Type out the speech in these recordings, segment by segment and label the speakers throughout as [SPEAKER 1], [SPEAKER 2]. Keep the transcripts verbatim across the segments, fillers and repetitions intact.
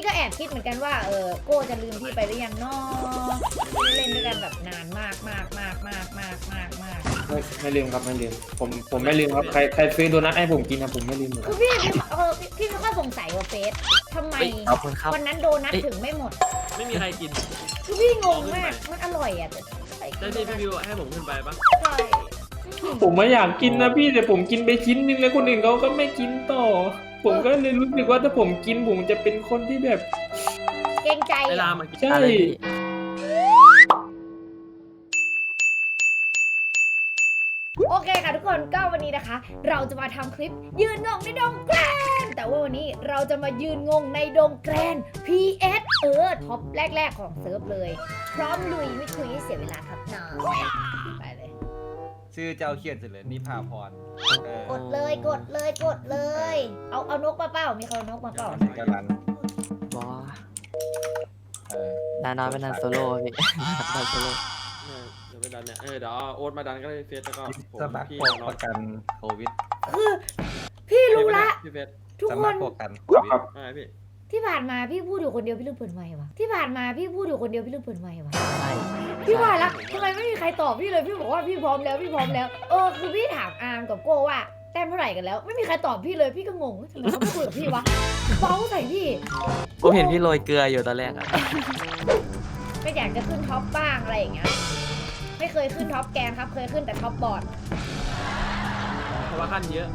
[SPEAKER 1] ก็แอบคิดเหมือนกันว่าเออโก้จะลืมพี่ไปหรือยังเนาะไม่ได้เล่นด้วยกันแบบนานมากมากมากมากมากมากมาก
[SPEAKER 2] ไม่ไม่ลืมครับไม่ลืมผมผมไม่ลืมครับใครใครซื้อโดนัทให้ผมกินนะผมไม่ลืมเลย
[SPEAKER 1] คือพี่เออพี่ไม่ค่อยสงสัยว่าเฟสทำไมวันนั้นโดนัทถึงไม่หมด
[SPEAKER 3] ไม่มีใครกิน
[SPEAKER 1] คือพี่งงมากมันอร่อยอ่ะแต่
[SPEAKER 3] ได้พี่พี่วิวให้ผมขึ้นไปปะ
[SPEAKER 1] ใช่
[SPEAKER 2] ผมไม่อยากกินนะพี่แต่ผมกินไปชิ้นนึงแล้วคนอื่นเขาก็ไม่กินต่อผมก็เลยรู้สึกว่าถ้าผมกินผมจะเป็นคนที่แบบ
[SPEAKER 1] เกรงใจ
[SPEAKER 3] เวลามากิน
[SPEAKER 2] ใช่
[SPEAKER 1] โอเคค่ะทุกคนก็วันนี้นะคะเราจะมาทำคลิปยืนงงในดงแกรนแต่ว่าวันนี้เราจะมายืนงงในดงแกรน พี เอส เออท็อปแรกๆของเซิร์ฟเลยพร้อมลุยไม่คุยให้เสียเวลาครับน้องไปเลย
[SPEAKER 4] ชื่อเจ้าเขียนเสร็จเลยนิพาพร
[SPEAKER 1] กดเลยกดเลยกดเลยเอาเอานกมาเปล่ามีเขานกมาเปล่า
[SPEAKER 4] กรัน
[SPEAKER 5] บอดานอนเป็นนันโซโล่พี่นันโซโล่
[SPEAKER 3] เดี๋ยวไปดันเนี่ยเออเดี๋ยวโอ๊ตมาดันก็ได้เฟสแล้วก็
[SPEAKER 4] สมัครประกันโควิด
[SPEAKER 1] คือพี่รู้ละทุกคน
[SPEAKER 4] ประกันโควิด
[SPEAKER 3] อะไรพี่
[SPEAKER 1] ที่ผ่านมาพี่พูดอยู่คนเดียวพี่ลืมเปิดไมค์วะที่ผ่านมาพี่พูดอยู่คนเดียวพี่ลืมเปิดไมค์วะ
[SPEAKER 5] ใช่
[SPEAKER 1] พี่ว่าละทำไมไม่มีใครตอบพี่เลยพี่บอกว่าพี่พร้อมแล้วพี่พร้อมแล้วเออคือพี่ถามอาร์มกับโก้ว่าแต้มเท่าไหร่กันแล้วไม่มีใครตอบพี่เลยพี่ก็งงทำไมเขาไม่คุยกับพี่วะเบ้าใส่พี่
[SPEAKER 5] ผมเห็นพี่โรยเกลืออยู่ตอนแรกอะ
[SPEAKER 1] ก็อยากจะขึ้นท็อปบ้างอะไรอย่างเงี้ยไม่เคยขึ้นท็อปแกนครับเคยขึ้นแต่ท็อปบอร์ด
[SPEAKER 3] เพราะว่าขั้นเยอะ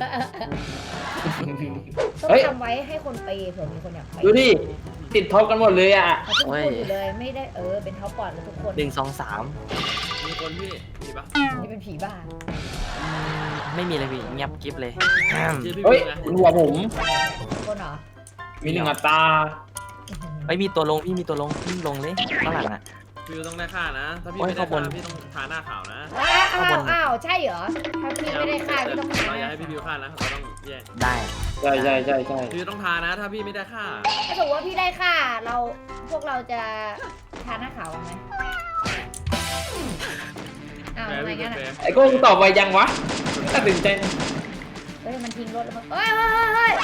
[SPEAKER 1] ต้องทำไว้ให้คนไปเผื่อมีคนอยากไป
[SPEAKER 2] ดูดิติดท็อปกันหมดเลยอ่ะ
[SPEAKER 1] ทุกคนอยู่เลยไม่ได้เออเป็นท็อปบอร์ดแล้วทุกคน
[SPEAKER 5] หนึ่งสองสาม
[SPEAKER 3] มีคนพี่มีปะ
[SPEAKER 1] นี่เป็นผีบ้า
[SPEAKER 5] ไม่มีเลยพี่เงียบกิ๊บเลย
[SPEAKER 2] เฮ้ยหัวผม
[SPEAKER 1] คนเหรอ
[SPEAKER 2] มีหนึ่งอัตรา
[SPEAKER 5] ไม่มีตัวลงพี่มีตัวลงพี่ลงเลยข้างหลังอ่ะ
[SPEAKER 3] พี่ต้องได้ค่านะถ้าพี่ไม่ได้ค่าพี่ต้องทาหน้าขาวนะ
[SPEAKER 1] อ้าวอ้าวใช่เหรอถ้าพี่ไม่ได้ค่าพี่ต้องทา
[SPEAKER 3] เราอยากให้พี่บิวค่านะเราต้องแยก
[SPEAKER 5] ได้
[SPEAKER 2] ใช่ใช่ใช่ใช่
[SPEAKER 3] พี่ต้องทานะถ้าพี่ไม่ได้ค่า
[SPEAKER 1] ถ้าสมมติว่าพี่ได้ค่าเราพวกเราจะทาหน้าขาวไหมอ้าวอะไรงั้น
[SPEAKER 2] ไอ้โก้ตอบไวยังวะตัดสินใจ
[SPEAKER 1] เฮ้ยมันทิ้งรถแล้วเฮ้ยเฮ้ยเฮ้ย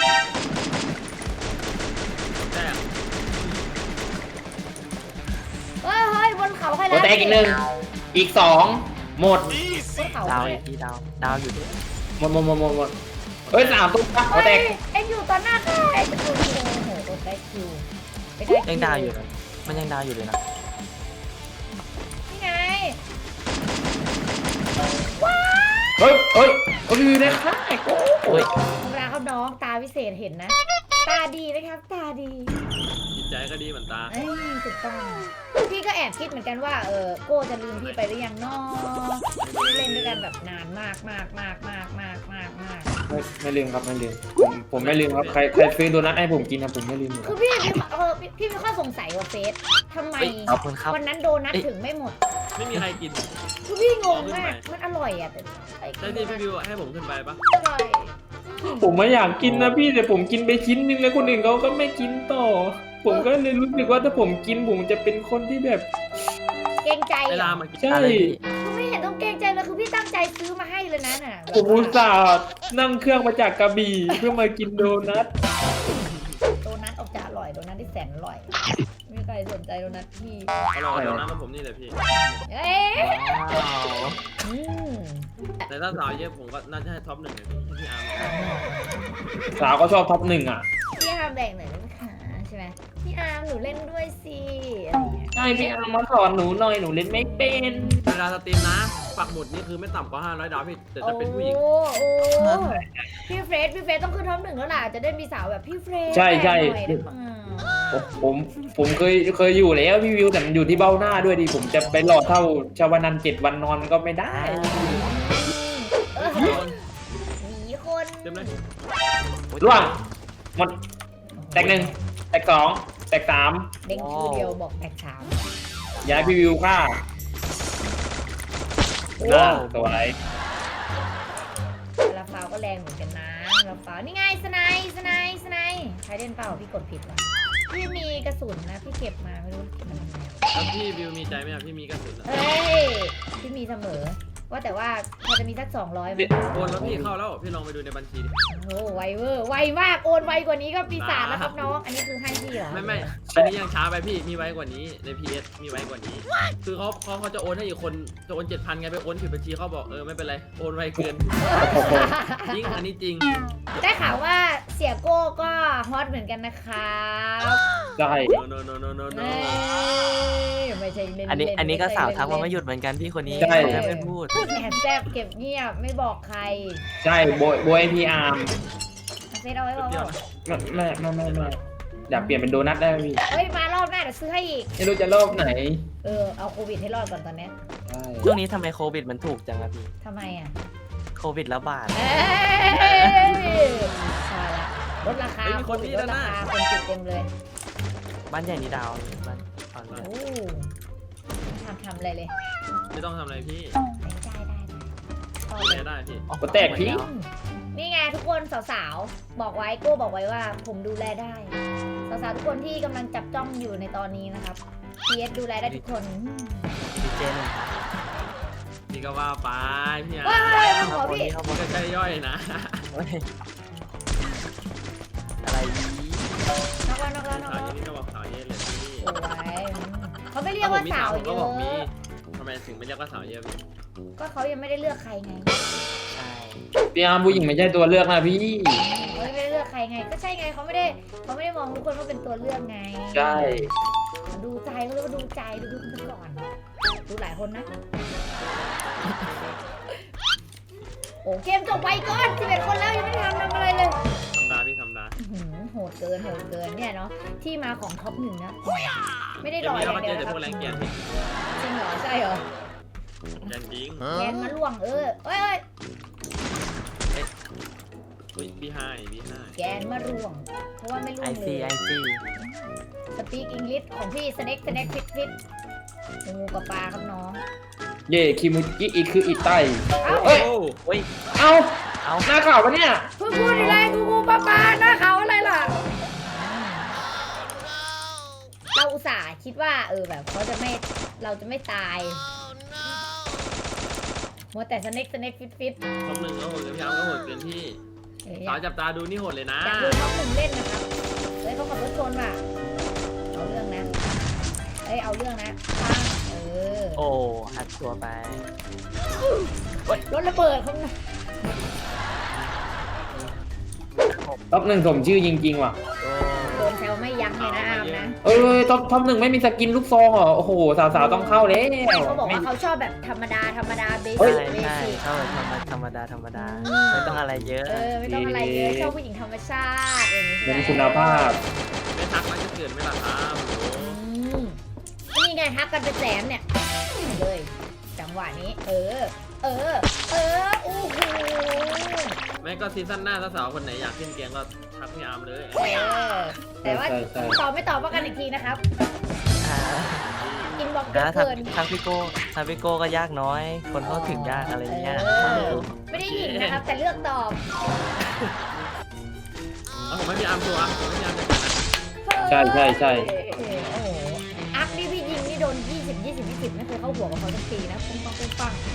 [SPEAKER 1] เฮ้ยเฮ้ยบนเขาใครแล้ว
[SPEAKER 2] แตกอีกหนึ่งอีกสองหมด
[SPEAKER 5] ดาวอีกทีดาวดาวอยู่ด้วย
[SPEAKER 2] หมดหมดหมดหมดหมดเฮ้ยสามตุ๊กหัวแตก
[SPEAKER 1] เอ็งอยู่ตอนหน้าใครโอ้โหโดนได้คิว
[SPEAKER 5] ยังดาวอยู่เลยมันยังดาวอยู่เลยนะ
[SPEAKER 1] นี่ไง
[SPEAKER 2] ว้าเฮ้ยเฮ้ยโอ้ยได้ค่าไอ้โก้
[SPEAKER 5] เฮ้ย
[SPEAKER 1] ธรรมดาเขาน้องตาวิเศษเห็นนะตาดีนะครับตาดี
[SPEAKER 3] จิตใจก็ดีเหมือนตา
[SPEAKER 1] เอ้ยถูกต้องพี่ก็แอบคิดเหมือนกันว่าเออโก้จะลืมพี่ไปหรือยังเนาะไม่ได้เล่นด้วยกันแบบนานมากมากมากมากมากมากมาก
[SPEAKER 2] ไม่ไม่ลืมครับไม่ลืมผมผมไม่ลืมครับใครใครซื้อโดนัทให้ผมกินนะผมไม่ลืม
[SPEAKER 1] คือพี่เออพี่ไม่ค่อยสงสัยว่าเฟสทำไมวันนั้นโดนัทถึงไม่หมด
[SPEAKER 3] ไม่มีใครกิน
[SPEAKER 1] คือพี่งงมากมันอร่อยอ่ะ
[SPEAKER 3] ได้พี่พี่วิวให้ผมขึ้นไปปะ
[SPEAKER 1] อร่อย
[SPEAKER 2] ผมไม่อยากกินนะพี่แต่ผมกินไปชิ้นนึงแล้วคนอื่นเขาก็ไม่กินต่อผมก็เลยรู้สึกว่าถ้าผมกินผมจะเป็นคนที่แบบ
[SPEAKER 1] เกรงใจ
[SPEAKER 3] เวลามากิน
[SPEAKER 2] ใช่
[SPEAKER 1] ไม่เห็นต้องเกรงใจเลยคือพี่ตั้งใจซื้อมาให้เลยนะน่ะ
[SPEAKER 2] ผมอุตส่าห์นั่งเครื่องมาจากกระบี่เพื่อมากินโดนัท
[SPEAKER 1] โดนัทออกจะอร่อยโดนัทที่แสนอร่อยไม่มีใครสนใจโดนัทพี่
[SPEAKER 3] อร่อยโดนัทของผมนี่เลยพี่
[SPEAKER 1] เอ๊ะ
[SPEAKER 3] แต่ถ้าสาวเยอะผมก็น่าจะให้ท็อปหนึ่งเลยพี่พี่อาร์ม
[SPEAKER 2] สาวก็ชอบท็อปหนึ่งอ่ะ
[SPEAKER 1] พี่อาร์มแบ่งหน่อยได้ไหมคะใช่ไหมพี่อาร์มหนูเล่นด้วยสิ
[SPEAKER 2] ใช่พี่อาร์มมาสอนหนูหน่อยหนูเล่นไม่เป็น
[SPEAKER 3] เวลาสตรีมนะปักหมุดนี่คือไม่ต่ำกว่าห้าร้อยดาวพี่แต่จะเป็นผู้หญิง
[SPEAKER 1] โอ้โหพี่เฟรดพี่เฟรดต้องขึ้นท็อปหนึ่งแล้วล่ะจะได้มีสาวแบบพี่เฟรด
[SPEAKER 2] ใช่ใช่ผมผมเคยเคยอยู่แล้วพี่วิวแต่มันอยู่ที่เบ้าหน้าด้วยดิผมจะไปหล่อเท่าชาวนันเจ็ดวันนอนมันก็ไม่ได้
[SPEAKER 1] หนีคน
[SPEAKER 3] เต็มเลย
[SPEAKER 2] ล่วงหมดแตกหนึ่งแตกสองแตกสาม
[SPEAKER 1] เด้งชื่อเดียวบอกแตกสาม
[SPEAKER 2] ย้ายพี่วิวฆ่าน่าสวย
[SPEAKER 1] ลาฟาวก็แรงเหมือนกันนะลาฟาวนี่ไงสไนสไนสไนใครเล่นเปล่าพี่กดผิดว่ะพี่มีกระสุนนะพี่เก็บมาไม่รู้เก็บมาทำไม
[SPEAKER 3] แล้วพี่วิวมีใจไหมครับพี่มีกระสุน
[SPEAKER 1] เฮ้ยพี่มีเสมอว่าแต่ว่าพอจะมีสักสองร้อยไหม
[SPEAKER 3] โอนแล้วพี่เข้าแล้วพี่ลองไปดูในบัญชีดิ
[SPEAKER 1] โอ้ไวเวอร์ไวมากโอนไวกว่านี้ก็ปีศาจแล้วครับน้องอันนี้คือให้พี่เหรอรอ
[SPEAKER 3] ไม่ไม่อันนี้ยังช้าไปพี่มีไว้กว่านี้ใน พี เอส มีไว้กว่านี้ คือเขาเขาเขาจะโอนให้อีกคนจะโอนเจ็ดพันไงไปโอนผิดบัญชีเขาบอกเออไม่เป็นไรโอนไวเกินจริงอันนี้จริง
[SPEAKER 1] ได้ข่าวว่าเสียโก้ก็ฮอตเหมือนกันนะครับ
[SPEAKER 2] ใช่
[SPEAKER 3] โนโนโนโนโน
[SPEAKER 1] เอ้ยไม่ใช่เล่นๆ
[SPEAKER 5] อันนี้อันนี้ก็
[SPEAKER 1] ไม่ใช่
[SPEAKER 5] สาวทักมา
[SPEAKER 1] เล่นๆ
[SPEAKER 5] ไม่หยุดเหมือนกันพี่คนนี้
[SPEAKER 2] ใช่
[SPEAKER 5] จะไม่พูด
[SPEAKER 1] แอบแซบเก็บเงียบไม่บอกใคร
[SPEAKER 2] ใช่โบยโบยพีอาร์ม
[SPEAKER 1] เอาเซตเอาไว้บอก
[SPEAKER 3] เดียว
[SPEAKER 1] ว่า
[SPEAKER 2] ไม่ไม่ไม่ไม่ไม่อยากเปลี่ยนเป็นโดนัทได้ไหมพี่
[SPEAKER 1] เฮ้ยมารอบหน้าเดี๋ยวซื้อให้อีก
[SPEAKER 2] ไม่รู้จะรอบไหน
[SPEAKER 1] เออเอาโควิดให้รอดก่อนตอนเนี้ย
[SPEAKER 2] ใช่
[SPEAKER 5] ช่วงนี้ทำไมโควิดมันถูกจังอะพี่
[SPEAKER 1] ทำไมอ่ะ
[SPEAKER 5] โควิดระบาด
[SPEAKER 1] เอ้ยพอละลดราคาโควิดลดราคาคนติดเต็มเลย
[SPEAKER 5] บ้านใหญ่นี่ดาวบ้านตอนนี้
[SPEAKER 1] โอ้ทำทำอะไรเลย
[SPEAKER 3] ไม่ต้องทำอะไรพี่
[SPEAKER 1] ได้ได้ได้ต่อ
[SPEAKER 3] ไม่
[SPEAKER 1] เลย
[SPEAKER 3] ได้พี่
[SPEAKER 2] ก็แตกพี่
[SPEAKER 1] นี่ไงทุกคนสาวๆ บอกไว้โก้บอกไว้ว่าผมดูแลได้ สาวๆทุกคนที่กำลังจับจ้องอยู่ในตอนนี้นะครับ พี เอส ดูแลได้ทุกคน
[SPEAKER 5] ดีเจน
[SPEAKER 3] พี่ก็ว่าไปพี่
[SPEAKER 1] ว้า
[SPEAKER 3] อ่ะ
[SPEAKER 1] ยมาขอพี่
[SPEAKER 5] เขาบ
[SPEAKER 3] มั
[SPEAKER 5] อก
[SPEAKER 3] นก็ใช่ย่อยนะ
[SPEAKER 5] เฮ้ยอะไรนี้
[SPEAKER 1] นอกแล้วนอกแล้วนอก
[SPEAKER 3] ข่าว
[SPEAKER 1] แล้ว
[SPEAKER 3] เย็นนี่ก็บอกข่าวเย็นเลยพี่
[SPEAKER 1] สวยเขาไม่เรียกว่าสาว
[SPEAKER 3] ผม
[SPEAKER 1] เย
[SPEAKER 3] ก็
[SPEAKER 1] อะ
[SPEAKER 3] บอกมีทำไมถึงไม่เรียกว่าสาวเยอะพี่
[SPEAKER 1] ก็เขายังไม่ได้เลือกใครไง
[SPEAKER 5] ใช่
[SPEAKER 2] พีอาร์มผู้หญิงไม่ใช่ตัวเลือกนะพี่
[SPEAKER 1] เขาไม่ได้เลือกใครไง ก็ใช่ไงเขาไม่ได้เขาไม่ได้มองทุกคนว่าเป็นตัวเลือกไง
[SPEAKER 2] ใช่
[SPEAKER 1] ดูใจเขาเรียกว่าดูใจดูดูดูก่อน ดูหลายคนนะ โอ้เกมจบไวก่อนสิบเอ็ดคนแล้วยังไม่ได้ทำทำอะไรเลย
[SPEAKER 3] ทำดาพี่ทำดา
[SPEAKER 1] อื้อหือโหดเกินโหดเกินเนี่ยเนาะที่มาของท็อปหนึ่งนะ ไม่ได้
[SPEAKER 3] เดี๋
[SPEAKER 1] ร
[SPEAKER 3] ยว
[SPEAKER 1] ออ
[SPEAKER 3] นี้
[SPEAKER 1] ย่า
[SPEAKER 3] เรา
[SPEAKER 1] ง
[SPEAKER 3] ก็
[SPEAKER 1] เดี
[SPEAKER 3] เจ
[SPEAKER 1] ยว
[SPEAKER 3] อแต่
[SPEAKER 1] นะค
[SPEAKER 3] พ
[SPEAKER 1] รั
[SPEAKER 3] ว
[SPEAKER 1] บ
[SPEAKER 3] กแรงเกียร์พี่
[SPEAKER 1] จริงเหรอใช่เหรอ
[SPEAKER 3] แรงจริง
[SPEAKER 1] แกนมาล่วงเออเอ้ยเอ้ย
[SPEAKER 3] อุ้ยพี่ให้พี่ให้
[SPEAKER 1] แกนมาล่วง เพราะว่าไม่ล่ว
[SPEAKER 5] ไอง
[SPEAKER 1] เล
[SPEAKER 5] ซีไอย ซี
[SPEAKER 1] สปีกอังกฤษของพี่สเน็กสเน็กฟิตฟิตงูกับปลาครับน้อง
[SPEAKER 2] เย่คิมุจิอีกคืออีไต
[SPEAKER 1] เอ้า
[SPEAKER 2] เอ้ย
[SPEAKER 5] เฮ้ย
[SPEAKER 2] เอ้า
[SPEAKER 5] เอา
[SPEAKER 2] หน้าข่าวปะเนี่ย
[SPEAKER 1] เพิ่งพูดอะไรงูงูปลาปลาหน้าเขาอะไรล่ะ เราอุตส่าห์คิดว่าเออแบบเขาจะไม่เราจะไม่ตายมัวแต่สเน็กสเน็กฟิตฟิต
[SPEAKER 3] ท็อปหนึ่งก็โหดกับพี่อาร์มก็โหดเกินพี่
[SPEAKER 1] เอ้ยอ
[SPEAKER 3] สาวย
[SPEAKER 1] าก
[SPEAKER 3] จับตาดูนี่โหดเลยนะ
[SPEAKER 1] อยากดูน้องหนึ่งเล่นนะครับเฮ้ยเขาขับรถชนว่ะเอาเรื่องนะเอ้ยเอาเรื่องนะปังเออ
[SPEAKER 5] โอ้หัดตัวไป
[SPEAKER 1] รถระเบิดเขานะ
[SPEAKER 2] ท็อปหนึ่งสมชื่อจริงๆว่ะ
[SPEAKER 1] โดนแซวไม่ยั้งเลยนะอามนะ
[SPEAKER 2] เอ้ยท็อปท็อปหนึ่งไม่มีสกินลูกซองเหรอ โอ้โห สาวๆต้องเข้าแล้ว
[SPEAKER 1] ไม่เขาบอกว่าเขาชอบแบบธรรมดาธรรมดาเบ
[SPEAKER 5] ใช่
[SPEAKER 1] สิกเบ
[SPEAKER 5] ใช่
[SPEAKER 1] สิก
[SPEAKER 5] เข้าแบบธรรมธรรมดาธรรมดา
[SPEAKER 1] อืม
[SPEAKER 5] ไม่ต้องอะไรเยอะ
[SPEAKER 1] เออไม่ต้องอะไรเยอะชอบผู้หญิงธรรมชาติอย่างนี้ใช่
[SPEAKER 2] เป็
[SPEAKER 1] ไห
[SPEAKER 2] น
[SPEAKER 1] ม
[SPEAKER 2] คุณภาพ
[SPEAKER 3] ไม่ทักมันจะเกิดไหม่ล่ะครับโอ้
[SPEAKER 1] อืมนี่ไงทักกันเป็นแสนเนี่ยเลย จังหวะนี้ เออ เออ เออโอ้โห
[SPEAKER 3] แม่ก็ซีซั่นหน้าถ้าสาวคนไหนอยากขึ้นเกียงก็ทักพี่อาร์มเลย
[SPEAKER 1] เออแต่ว่า
[SPEAKER 2] ใช่ใช่
[SPEAKER 1] ตอบไม่ตอบว่ากันอีกทีนะครับ
[SPEAKER 5] อ่า
[SPEAKER 1] อินบ็อกซ์เย
[SPEAKER 5] แล้
[SPEAKER 1] อะ
[SPEAKER 5] วทาง
[SPEAKER 1] เกิน
[SPEAKER 5] ทางพี่โก้ทางพี่โก้ก็ยากน้อย คนเข้าถึงยากอะไรเงี้ย
[SPEAKER 1] เออไม่ได้หยิงนะครับ แต่เลือกตอบ
[SPEAKER 3] เอาผมให้พี่อาร์มตัวอ่ะผมให้พี่อาร์มจัดการนะ
[SPEAKER 2] ใช่ใช่ใช่
[SPEAKER 1] โอ้โหอัพนี่พี่ยิงนี่โดนยี่สิบ ยี่สิบ ยี่สิบไม่เคยเข้าหัวกับเขาสักทีนะปุ้งปังปุ้งปัง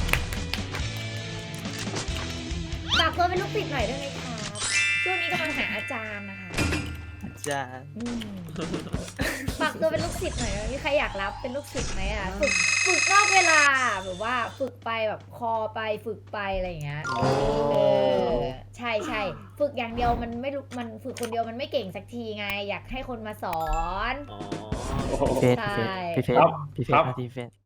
[SPEAKER 1] ฝากตัวเป็นลูกศิษย์หน่อยได้ไหมครับช่วงนี้กำลังหาอาจารย์นะคะ
[SPEAKER 5] จ้า
[SPEAKER 1] อืมฝากตัวเป็นลูกศิษย์หน่อยนะมีใครอยากรับเป็นลูกศิษย์ไหมอ่ะฝึกฝึกนอกเวลาแบบว่าฝึกไปแบบคอไปฝึกไปอะไรอย่างเงี้ยเออใช่ใช่ฝึกอย่างเดียวมันไม่รู้มันฝึกคนเดียวมันไม่เก่งสักทีไง อยากให้คนมาสอน
[SPEAKER 3] อ๋อ
[SPEAKER 2] โอ้โห
[SPEAKER 5] เฟส
[SPEAKER 1] ใช่
[SPEAKER 5] พี่เฟส
[SPEAKER 2] ครับ
[SPEAKER 5] พี่เฟ
[SPEAKER 2] ครั
[SPEAKER 5] ส
[SPEAKER 2] บ
[SPEAKER 5] พี่เฟส